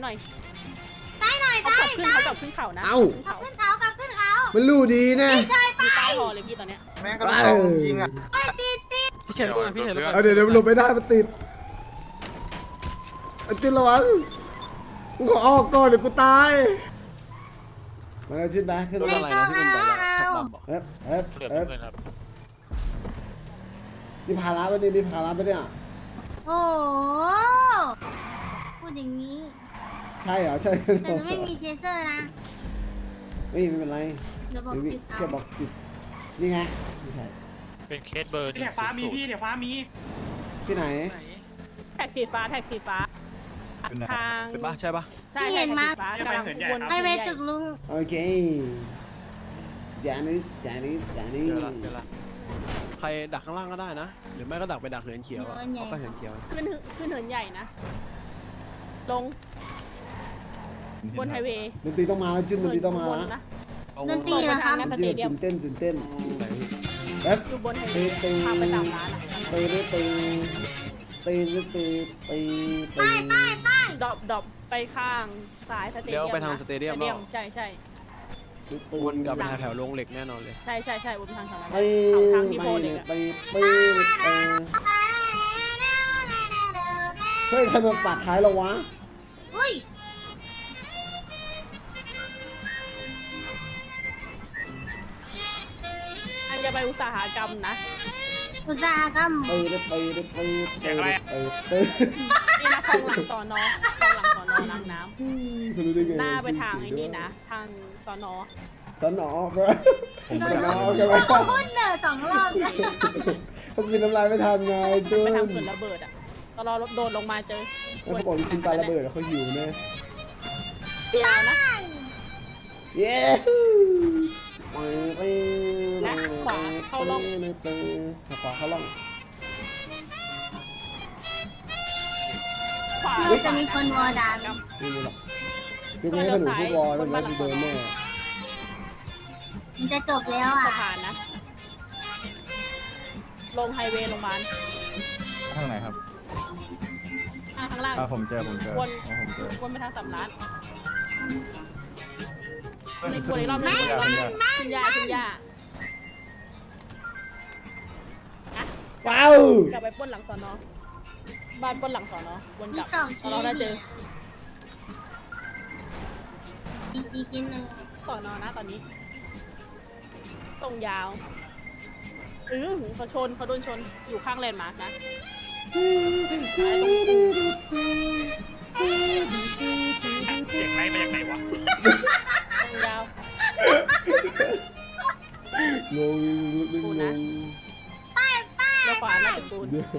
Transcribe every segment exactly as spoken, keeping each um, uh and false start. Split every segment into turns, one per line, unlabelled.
หน่อย
ซ้ายหน่อย
เขา
ซ้าย
กลับขึ้นเขากลับขึ้นเขานะ
เอ้า
ขับขึ้นเขาขับขึ้นเขา
มันรู้ดีนะ
ไม่ใช่ไป
มีใต้หอเลยพี่ตอนเนี้ย
แม่งก็ต้องจริงอ่ะ
โอ้ยติดติด
พี่เฉินด้วยพี่เฉินด้วย
เอาเดี๋ยวเดี๋ยวหลบไม่ได้มันติดเอาจิ้นระวังกูขอออกก่อนเดี๋ยวกูตายมาแล้วจิ้นไปขึ้น
รถ
มา
อะไรนะที่เป็นแบบขับดำบอก
เอ๊ะเอ๊ะ
เดือด
เอ๊ะ
เงินครับ
นี่พาราไปเนี่ยนี่พาราไปเนี่ย
โอ้พูดอย่างนี้
ใช่เหรอใช่
แต่หนูไม่มีเทเซอร์นะ
ไม่ไม่เป็นไร
เดี๋ยวบอก
เดี๋ยว
จุด
แค่
เอา
บอกจิตนี่ไงไม่ใช่
เป็นเคสเบอร์หนึ่ง
เนี่ยฟ้ามี
ศูนย์
พี่เนี่ยฟ้ามี
ที่ไหน
ไหน
แท็กสีฟ้าแท็กสีฟ้าทาง
เป็นปะใช่ปะ
ใช่แท็กสีฟ้ากำลังวน
ให้ไปตึกลุง
โอเคจานึจานึจานึ
เดี๋ยวละเดี๋ยวละใครดักข้างล่างก็ได้นะหรือไม่ก็ดักไปดักเหินเขียวอะเขาก็เหินเขียว
ขึ้นขึ้นเหินใหญ่นะ ลงบนไฮเวย์
ดนตรีต้องมาแล้วจิ้นดนตรีต้องมา
บน
แล้ว
นะ
ดนตรี
บ
นะ
น
ครั
ทา
บ
งนั้นส
จิ้
เต
น
เดียม
ตื่นเต้นตื่นเต้น
ไหนพี่
แป๊บ
อยู่บนไฮเว
ตี
ย์
ตี
พาไปตามร้านอะ
ตีตีตีตีตีตีตี
ดรอปดรอปไปข้างซ้ายสเตเดียม
เลี้ยวไปทางสเตเดียม
ส
เนาะ
ใช่ใช่
วนกลับไปทางแถวโรงเหล็กแน่นอนเลย
ใช่ใช่ใช่วนไปทางแถวนั้น
ตี
เอาทางที่โพ
ตี
เด็กอะ
ตีตีตีเฮ้ยใครมาปัดท้ายเราวะ
อุ้ย
อันจะไปอุตสาหกรรมนะ
อุตสาหกรรม
ตีตีตีตีตีตีตี
นี่นะคลองหลังสอนอคลองหลังสอนอล้างน้
คุณรู้ได้ไง
ำหน้าไปทางไอ้นี่นะ ทางสอนอ
สนอปะสนอกันไหม
พูดเนอสองรอบเลย
เขากินน้ำลายไม่ทันไงจุน
ไปทางเขื่อนระเบิดอ่ะตอนเราโดนลงมาเจอ
เขาบอกลูกชิ้นปลาระเบิดเขาหิวแน่
เดียวนะ
เย้
และขวาเข้าร่อง
ขวาเข้าร่อง
ขวา
เราจะมีคนวอร์ดาน
นี่นี่หรอกยุคนี้ถ้าหนูพูดวอลมันน่าจะโดนแน่
มันจะจบแล้ว
สะ
อ่ะ
พานนะ ลงไฮเวย์โรงพยาบาล
ทางไหนครับ
อ่ะข้างล่าง
อ่าผมเจอผมเจอ
วน
อ๋อผมเจอ
วนไปทางสำนักมีวนอีกรอบหนึงวนอีกรอบหนึงคุณยาคุณยา
ว้าว
กลับไปปล้นหลังสอนอบ้านปล้นหลังสอนอวน
มี
กลับ
สอง
ต
ที
อนเราได้เจอ
อีกอีกกินหนึ่ง
สอนอนะตอนนี้ ตรงยาวเออเขาชนเขาโดนชนอยู่ข้างแลนด์มาร์กนะซ้ายตรง
เสียงไรมาจากไหนวะ
ตรงยาว
งงลึกงง
แล้วขวาน่าจะปูน
เดี๋ยว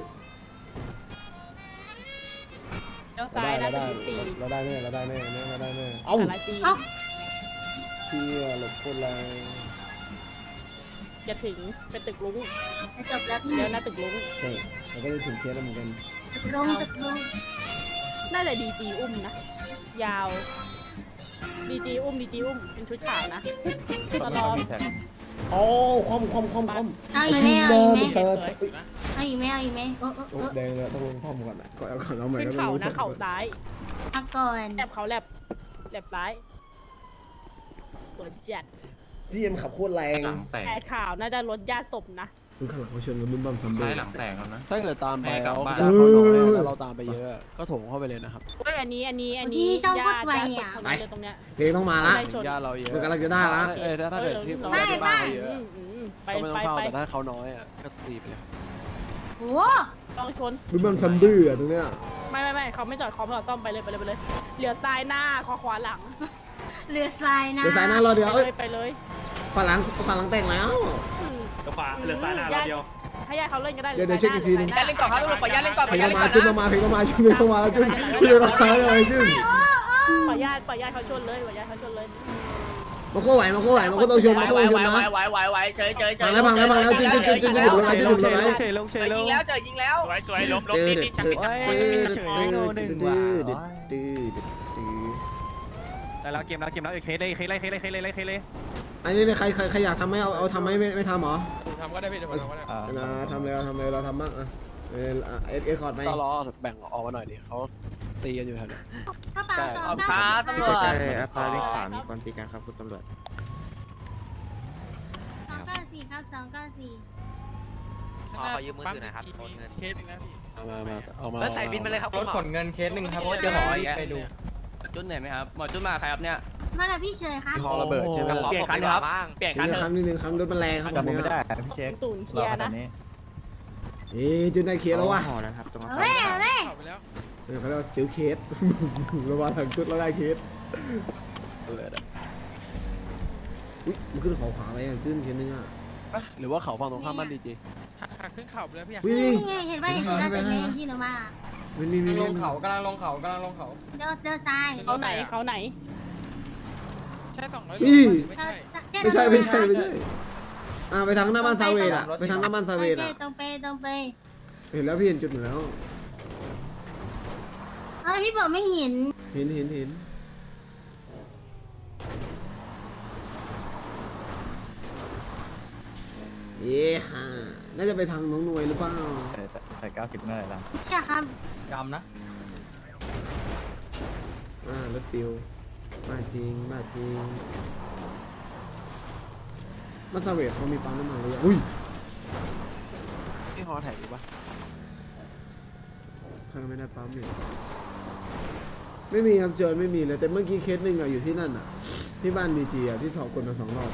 แล้ว
เรา
ซ้าย
ได้
น่า
เรา
จะ
ได้
ตี
เราได้แน่เราได้แน่เราได้แน่เอ้า
สาราจี
เอ้า
เชี่ยหลบคนแรง
จะถึงเป็นตึกลุง
จะจบแล้วพี่
เดี๋ยวหน้าตึกลุง
ใช่เราก็จะถึงเคสแล้วเหมือนกัน
ตึกลุงตึกลุง
น่าจะดีจีอุ้มนะ ยาวดีจีอุ้มดีจีอุ้มเป็นชุดขาวนะตลอด
โอ้ความความความความ
เอาอีกไหมเอาอีกไหม
เธอ
เอาอีกไหมเอาอีกไหมโอ้โอ้
โอ้
โอ้
แดงเลยต้องลงซ่อมก่อนนะก่อนเอาก่อนเอาใหม่
ขึ้น
แล้ว
เขา
ลงซ่
นะ
อม
เข่าซ้าย
พักก่อน
แลบเขาแลบแลบซ้ายสวนจัด
จีเอ็มขับโคตรแรง
หลังแตก
แอดข่าวน่าจะลดญาติศพนะ
คุณข้างหลังเขาชนกันบึ้มบั่มซัมเบอ
ซ้าย
ร์
หลังแตกแล้วนะ
ถ้าเกิดตามไป
ให้กลั
แล้
บ
ว
บ้าน
ญาติเขาน้อยอะแล้วเราตามไปเยอะอะก็โถงเข้าไปเลยนะครับ
เฮ้ยอันนี้อันนี้อันนี้ญาติญาติศพคนนี้เลยตรงเนี้ย
เพลงต้องมาละ
ได้ชน
ญาติเราเยอะ
มันกำลังจะได้ละ
เออถ้าถ้าเกิดที่
เออ
ญาติที่บ้านเขาเยอะ
อืมอืมไป
ก็ไม่ต้อง
ไป
เข้า
ไป
แต่ถ้าเขาน้อยอ่ะก็ตีไปเลยครับ
โอ้
ต้องชน
บึ้มบั่มซัมเบอร์อะตรงเนี้ย
ไม่ไม่ไม่เขาไม่จอดคอมจอดซ่อมไปเลยไปเลยไปเลยเหลือซ้ายหน้าขวาขวาหลัง
เรือทรายนะ
เดี๋ยวสายหน้ารอเดียว
ไป
เอ้
เลย ยไปเลย
ฝั่งหลังฝั่งหลังแต่งแล้ว
อืม
กระป๋าเหลือซ้ายหน้าเราเดียว
ให้ญาติเขาเล่นก็ได้
เดี๋ยวเดี๋ยวเช็คอีกทีนึง
ญาติเล่นก่อนครับลูกขอญาติเล่นก่อน
เพลงต้องมาจุนต้องมาเพลงต้องมาจุนเพลงต้องมาจุนจุนเพลงต้องมาเลยจุน
ขอญาติขอญาติเขาชนเลยขอญาติเขาชนเลย
มาโค้ไหวมาโค้ไหวมาโค้ต้องชมมาโค้ต้องชมนะ
ไหวไหวไหวไหวเฉยเฉยเฉ
พั
ย
งแล้วพังแล้วพังแล้วจุนจุนจุนจุนจุนจุนจุนจุนจุนจุน
ลงเฉยลงเฉยล
ยิ
ง
งแล้วเจอยิงแล้ว
สวยสวยล้มล้ม
จืด
นี่
จื
นี่
ด
ชัก
จื
ชัก
ดจืดจืดจืดจืดจืด
แต่เราเกมเราเกมเราเคเลยเคเลยเคเลยเคเลยเคเลย
อันนี้เนี่ยใครใครใครอยากทำไหมเอาเอาทำไหมไม่ไม่ทำหรอ
ทำก็ได้พี่เดี๋ยวผมทำก็ได้
นะทำเลยเราทำเลยเราทำบ้างอ่ะเออเอสเอสคอร์ดไหม
ก็รอแบ่งออกมาหน่อยดิเขาตีกันอยู่แถวนี้
กระเป๋าสอง
ค
เก้า
รับตำรวจ
ใช่
อาคารเลขสามมีคนตีกันครับคุณตำรวจ
สองเก้าสี่ครับสองเก้าสี่
ขอยืมมือถือหน่อยครับโอนเงิน
เคสอีกนะพี่
เอามามาเอามา
แล้วใส่บินมาเลยครับ
รถขนเงินเคสหนึ่งครับ
โอ้เจอหมออีก
ไปดู
จุดเหนื่อยไหมครับหมอจุดมาใครครับเนี่ย
มาแล้วพี่เฉยครับ
คอระเบิดใช่ไหม
ขอเปลี่ยนคันครับเปลี่ยนคัน
นี่
เถ
นะครับ
อะ
นี่นึงครับรถมันแรงครับแบบนี้
พี่เช็ค
ศูนย์เคลียร์นะ
เอ๊ะจุดได้เคลียร์แล้ววะ
หอนะครับตรงนั้น
เฮ้ยเฮ้ย
เข้าไปแล้ว
เออเขาเรียกว่าสติลเคส ระวังทางชุดแล้วได้เคส
ระเบิดอะ
อุ้ยมันขึ้นเขาขวาไปอ่ะซึ่งเคสนึงอ่ะ
อ่ะหรือว่าเขาฝั่งตรงข้ามบ้านดีจี
หักหักขึ้นเข่าไปแล้วพี่
วิ่ง
นี่ไงเห็นป่ะเห็นป่ะเห็นไหมที่หนูมา
มันมีมี
ล
มี
งเขากำลังลงเขากำลังลงเขา
เดินเดินซ้าย
เขาไหนเขาไหน
ใช่สองร้อย
อี
โลไม่ใช่
ไม่ใช่ไม่ใช่ไม่ใช่อ่าไปทางหน้าบ้านซาเวดอ่ะไปทางหน้าบ้านซาเวดอ่ะ
ตรงไปตรงไป
เห็นแล้วพี่เห็นจุดหมดแล้ว
เอ้ยพี่บอกไม่เห็น
เห็นเห็นเห็นเย้ฮ่าน่าจะไปทางน้องหน่วยหรือเปล่า
ใส่เก้าสิบเมื่อไหร่ล่ะ
ใช่ครับ
จำนะ
อ่ารถปิวมาจริงมาจริงบ้านซาเวดเขามีปั๊มน้ำมันเลยอะอุ้ย
ที่ฮอแท็กอยู่ปะ
ข้างไม่ได้ปั๊มเนี่ยไม่มีครับเจอไม่มีเลยแต่เมื่อกี้เคสหนึ่งอะอยู่ที่นั่นอะที่บ้านดีจีอะที่สอบคนมาสองรอบ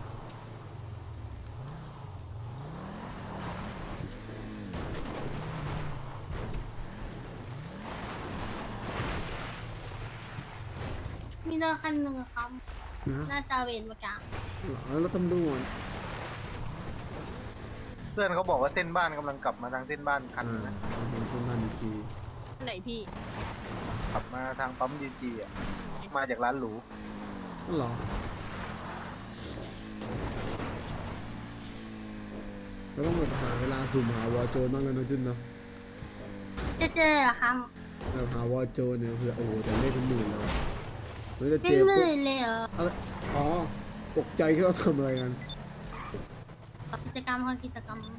มีเดินคันหนึ่งครับ
นะ
หน้าซาเวนเมื่อกี้
แล้วตำรวจ
เพื่อนเขาบอกว่าเส้นบ้านกำลังกลับมาทางเส้นบ้านคัน
อ่า
นะ
เห็นคนบ้านดีจี
ไหนพี่
ขับมาทางปั๊มดีจีอ่ะมาจากร้านหรู
นั่นเหรอเราต้องแบบหาเวลาสุ่มหาวอโจนบ้างแล้วนะจุนเนาะ
จะเจอเหรอครับ
แบบหาวอโจนเนี่ยเผื่อโอ้โหแต่เลขเป็นหมื่นแล้วอะมันจะ
เป็
เจ
น
อ
ห
ปุ๊บ
มื่นเลยเหรอ
อะไรอ๋อตกใจที่เราทำอะไรกัน
กิจกรรมเขากิจกรรม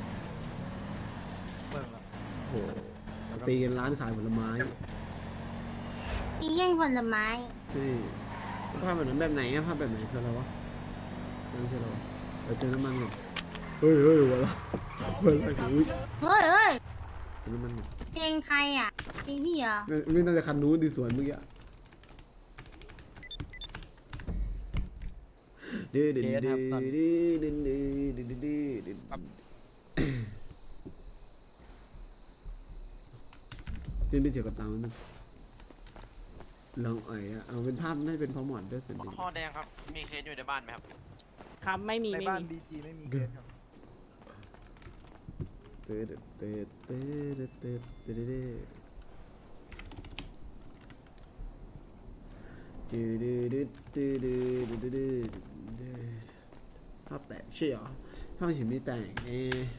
โอ้โหตีกันร้านขายผลไม้
มีแย่งผลไม้
ใช่ภาพแบบนั้นแบบไหนอะภาพแบบไหนคืออะไรวะนั่นคืออะไรวะเราเจอน้ำมันก่อนเฮ้ยเฮ้ยหัวเราะหัวเราะอุ้ย
เฮ้ยเฮ้ย
เจอน้ำมันก่อน
เพลงใครอ่ะเพลงพี่เหรอ
นี่นี่น่าจะคันนู้นดีสวนเมื่อกี้อะดื้อดื้อดื้อดื้อดื้อดื้อดื้อดื้อดื้อดื้อดื้อไปเจอกับตามันลองอ่อยอะเอาเป็นภาพน่าจะเป็นพอหมอนด้วยสิ
ข้อแดงครับมีเคสอยู่ในบ้านไหมครับ
ครับไม่มี
ใน
ไม่
บ้าน
มี
ดีจีไม่มีเคสครับ
เตะเตะเตะเตะเตะเตะเตะเตะจืดดืดดืดดืดดืดดืดดืดภาพแตกใช่เหรอภาพฉันไม่แตกเอ๊ะ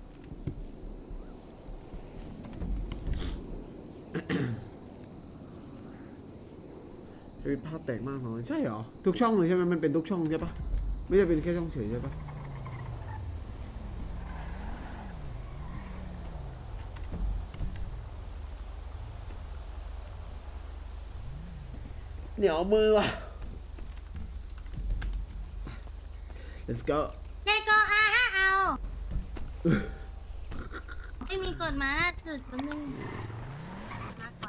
เป็นภาพแตกมากเหรอใช่เหรอทุกช่องเลยใช่ไหมมันเป็นทุกช่องใช่ปะไม่ใช่เป็นแค่ช่องเฉยใช่ปะเหนียวมือว่ะ let's go
แกก็อาฮะเอาไม่มีกฎมาล่าสุดแป๊บนึงมาก่อน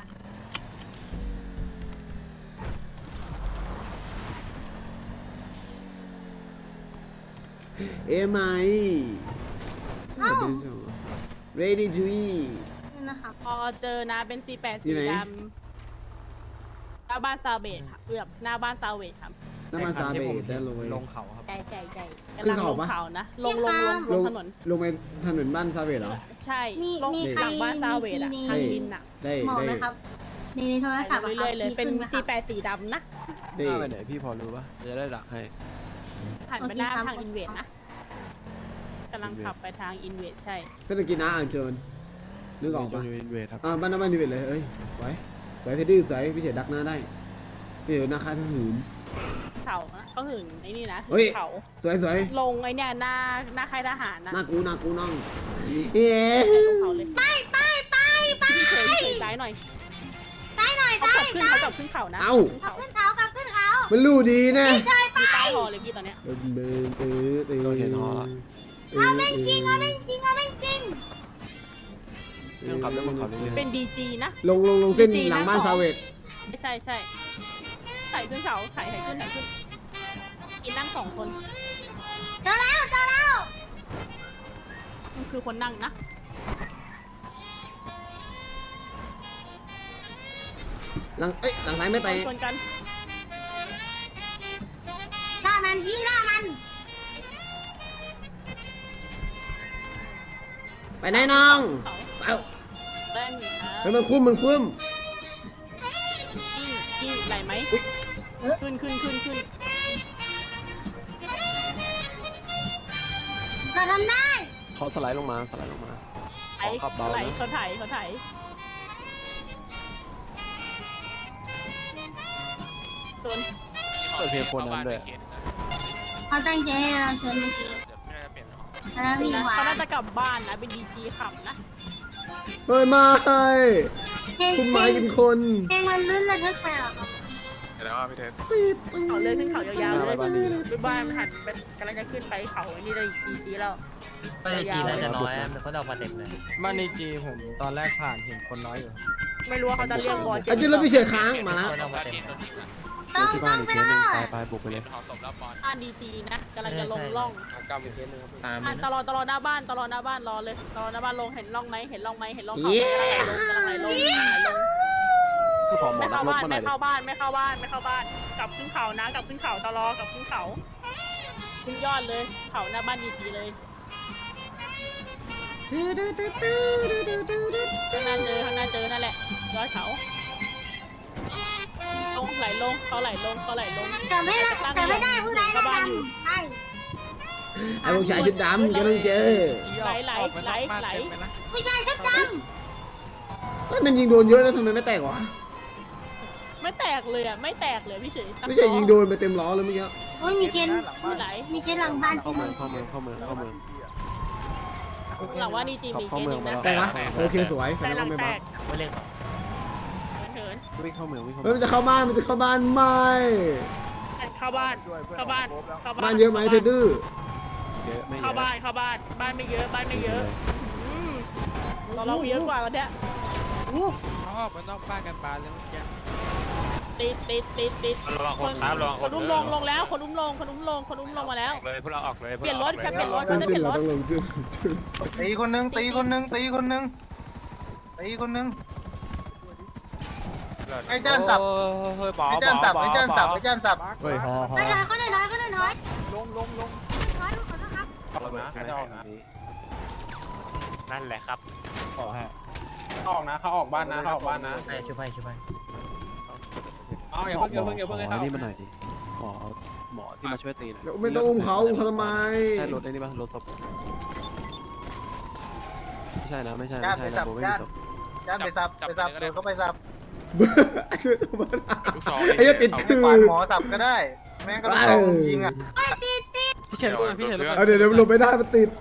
เอ็มไอใช่เป็นช่อง ready to eat
นี่นะครับ
พอเจอนะเป็น ซี แปด
ที่
สี
ไหน
ดำหน้าบ้านซาเบตครับเกือบหน้าบ้านซาเวตครับ
น้ำมันซาเบตได้ลงไป
ลงเขาครับ
ใช่ใช่ใช่
ขึ้
กำลั
น
ง
เขา
ลง
ปะ
เขานะลงลงลงล
ล
ง
ง
ถนน
ลงไปถนนบ้านซาเบตเหรอ
ใช่
มี
ลง
มีใคร
หลังบ้านซาเวตอะ
มี
ทาง
มี
ดินอะ
ได้
หมอ
ได้
ไหมครับในในโทรศัพท์อะค
เรื่
รับ
อยๆเลย
มี
เป็น
ขึ้นไหมค
ซี
รับ
แปดสีดำนะ
ได้
หน้าไปไหนพี่พอรู้ปะจะได้ดักให้
หันไป
โอเค
หน้า
ครับ
ทางอินเวดนะกำลังขับไปทางอินเวดใช่
เส้นกินน้าอ่างเจินนึกออก
จ
ปะ
นอยู่อินเวดครับ
อ่าบ้านน้ำบ้านดีเวทเลยเอ้ยสวยสวยเทดดี้สวยพี่เฉยดักหน้าได้พี่เฉยนาคาทั้งหืน
เขานะเขาหึงไอ้นี่นะ
เฮ้ย
เขา
สวยสวย
ลงไอ้เนี่ยหน้าหน้าค่ายทหารนะ
หน้ากูหน้ากูน้องเย้
ลงเขาเลย
ไปไปไปไป
พี่เฉยพี่เฉยซ้ายหน่อย
ไป
เขา
ใช่
กลับขึ้นเขากลับขึ้นเขานะ
เอ้า
ขึ้น
ขับ
เขา
ขึ้นเขาขับขึ้นเขา
มันรู้ดีนะ
ไม่ใช่ไป
มีใต้หอเลยพี่ตอนเนี้ย
เออเออเออเออ
เราเห็นฮอละ
เอาแม่งจริงเอาแม่งจริงเอาแม่งจริง
เรื่องขับเรื่องคนขับเรื่อย
เป็นดีจีนะ
ลงลงลงเส้นหลังบ้านซาเวต
ใช่ใช่ใส่ขึ้นเขาไถ่ไถ่ขึ้นไถ่ขึ้นกินนั่งสองคน
เจอแล้วเจอแล้ว
มันคือคนนั่งนะ
หลังเอ้ยหลังซ้ายไม่แตะ
ชนกัน
ล่ามันพี่ล่ามัน
ไปไหนน้อง
เขา
เอ้า
แรงอยู่นะ
เฮ้ยมันคุ้มมันคุ้ม
กี้กี้ไหลไหมขึ้นขึ้นขึ้นขึ้น
เราทำได้
ๆเขาสไลด์ลงมาสไลด์ลงมา
ไอ้
ขอขับเบา
ไหล
นะ
เขาไถ่เขาไถ่ชน
เปิดเพลงคนนั้นด้วย
เขาตั้งใจให้เราชนเมื่อกี้แล้วพี่
นะ
หวา
เขาน่าจะกลับบ้านนะเป็นดีจีขับนะ
เฮ้ยไม่
เพลง
คุณหมายกินคน
เพลงมันลื่นระทึกไปหรอครับ
เขาเลยขึ้นเขายาวๆเลย
บ้านดีนะ
ไปบ้านหันไปกำลังจะขึ้นไปเขาไอ้นี่เลยดีจีแล้ว
ไม่ได้จีนน่าจะน้อยอะมันเขาออกมาเต็มเลย
บ้านในจีผมตอนแรกผ่านเห็นคนน้อยอยู่
ไม่รู้ว่าเขาจะเรียกบอล
อาจจะเราพี่เฉยค้างมาแล้ว
คนออกมาเต็มเลย
ต้อง
ที่
ต้
บ้า
อน ง
อีก
ไป
เคสห
เล
นึง
ย
ไปไปบุกไปเลย
บ้านดีจีนะกำลังจะลงร่อง
กำอีกเคสหนึงครับ
ตาม
อ่ะ
เลย
ต
นะ
ลอดตลอดหน้าบ้านตลอดหน้าบ้านรอเลยตลอดหน้าบ้านลงเห็นร่องไหมเห็นร่องไหมเห็นร่องเขากำลังไหลลงกำลังไหลลงกำลังไหลลง
ผู้ขอหมอ
ไม่
นั
เข้าก
รบ
บ้าน
มาหน่
ไม่
อยดิ
เข้าบ้านไม่เข้าบ้านไม่เข้าบ้านกลับขึ้นเขานะกลับขึ้นเขาตลอกลับขึ้นเขาขึ้นยอดเลยเขาหน้าบ้านดีจีเลยข้างหน้าเจอข้างหน้าเจอนั่นแหละยอดเขาลงไหลลงเขาไหลลงเขาไหลลง
แต่ไม่ได้แต่ไม่ได้ผู้ใดก็ทำใช่
ไอ้พวกชายชุดดำกำลังเจอ
ไหลไหลไหลไหล
ผู้ชายชุดด
เฮ้ยมันยิงโดนเยอะแล้วทำไมไม่แตกวะ
ไม่แตกเลยอ่ะไม่แตกเลยพี่เฉย
ไม่ใช่ยิงโดนไปเต็มล้อเลยเมื่อกี้
ำโอ้ยมีเกณฑ์
ไม่ไหล
มีเกณฑ์หลังบ้าน
เข้าเมืองเข้าเมืองเข้าเมืองเข้าเมือง
หลังว่าดีจีมีเคสหนึ่งนะ
แตกวะโอเคสวยแสด
แต่
ง
หลั
ว่าง ไม่
แต
บ้าก
ไม่เล่นหรอก
เถิน
วิ่งเข้าเมืองวิ่งเข้า
เฮ้ย
เมื
มั
อน ง
จะเข้าบ้านมันจะเข้าบ้านไม่
เข้าบ้านเข้าบ้านเข้าบ้าน
บ้านเยอะไหมเธอดื้อ
เยอะไม่เย
เข้า
อะ
บ้านเข้าบ้านบ้านไม่เยอะบ้านไม่เยอะเราเราเยอะกว่าแล้วเนี่ย
เขาออกมานอกบ้านกันบานเลยเมื่อกี้
ติดติดติดติด
ระวังคนครับระวัง
คนอุ้มลงลงแล้วคนอุ้มลงคนอุ้มลงคนอุ้มลงมาแล้ว
เลยพวกเราออกเลย
เปลี่ยนรถจะเปลี่ยนรถ
จึ้
จะ
ง
เป
จึ้
ลี่
ง
ยนรถ
เราต้องลงจึ้งจึ้ง
ตีคนหนึงตีคนหนึงตีคนหนึงตีคนหนึงไอ้เจ้านสับ
เฮ้ยบอ
ไอ้
บ
เจ้านสับ
อ
ไอ้เจ้านสับไอ้เจ้านสับ
เฮ้ยฮอฮอ
ไม่น้อยก็น้อยก็น้อย
ลงลงลง
น้อยขอโทษครับ
ระเบิดใช่ไหมอันนี้
นั่นแหละครับ
ออกฮะออกนะเขาออกบ้านนะเขาออกบ้านนะ
ให้ช่วยให้ช่วยให้
เอาอย่าเพิ่งอย่าเพิ่งอย่าเพิ่งให้
ขอ
เขา
นี่มาหน่อยดิหมอหมอที่มาช่วยตีหน่อย
เดี๋ยวไม่ต้องอุ้มเขาอุ้มเขาทำไม
ใช่รถไอ้นี่ป่ะรถศพไม่ใช่นะไม่ใช่
จ้า
ไม่
น
ใช่
ไป
นะ
สับ
โบไม่
จ้า
มี
น
ศพ
จ้านไปสับไปสับโดนเขาไปสับ
ไอ้เหี้ยติด
ให้
คือ
ปาดหมอสับก็ได้ แม่งก็ต้องเอายิงอ่ะ
พี่เฉินด้วยพี่เฉินด้วย
เอาเดี๋ยวเดี๋ยวหลบไม่ได้มันติด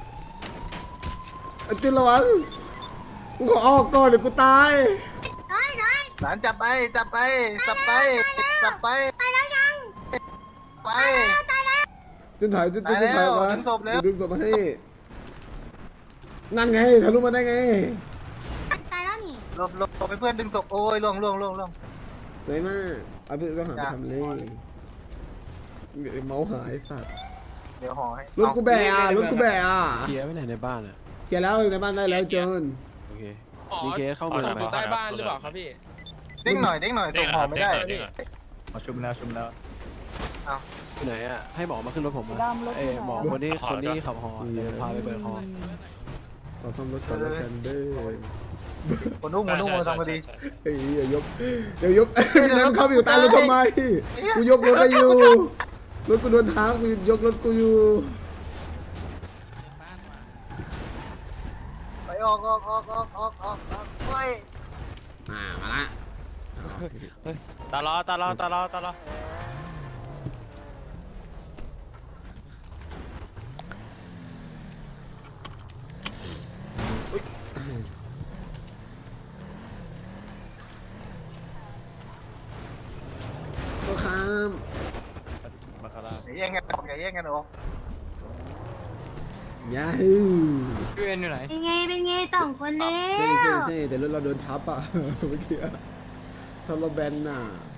เอาจุนระวังกูขอออกก่อนเดี๋ยวกูตาย
น้อยน้อย
หลานจับไปจับไปสับไปสับไป
ตายแล้วยัง
ไป
ตายแล้ว
จุนถ่ายจุนจุน
ตายแล้ว
ถ่ายมา
ดึงศพแล้ว
ดึงศพมาให้นั่นไงทะลุมาได้ไง
ตายแล้วนี่
หลบหลบหลบไปเพื่อนดึงศพโอ้ยล่วงล่วงล่วงล่วง
สวยมากเอาเพื่อนก็หาไปทำเลยเดี๋ยวเมาส์หายสัตว์
เดี๋ยวห่อให้
รถกูแบะอ่ะรถกูแบะอ่ะ
เคลียร์ไว้ไหนในบ้านอ่ะ
เขียนแล้วในบ้านได้แล้วจน
โอเคมีเคสเข้าเมืองไหม
อยู่ใต้บ้านหรือเปล่าครับพี่
เด้งหน่อยเด้งหน่อยส่งห่อไม่ได้
มาชุมแล้วชุมแล้ว
ที่ไหนอ่ะให้หมอมาขึ้นรถผมมาเอ้หมอคนที่คนที่ขับฮอเดี๋ยวพาไปเบิร์ฮอ
ขอซ่อมรถก่อนแล้วกันเด้อ
คนนุ่มคนนุ่มมาทำคดี
เฮ้ยเดี๋ยวยกเดี๋ยวยกน้ำเข้าไปอยู่ใต้รถทำไมกูยกรถก็อยู่รถกูโดนท้ากูยกรถกูอยู่
ไปออกออกออกออกออกออกออกไป
มามาละ
ตลอดตลอดตลอดตลอดมาคาร่า
อย่าแย่งกันออกอย่าแย่งกันออก
ยาฮู
พี่เอ็นอยู่ไหน
เป็นไงเป็นไงสองคนแล้
ใช่
ว
ใช่ใช่แต่รถเราโดนทับอ่ะ เมื่อกี้ทับเราแบนน่ะ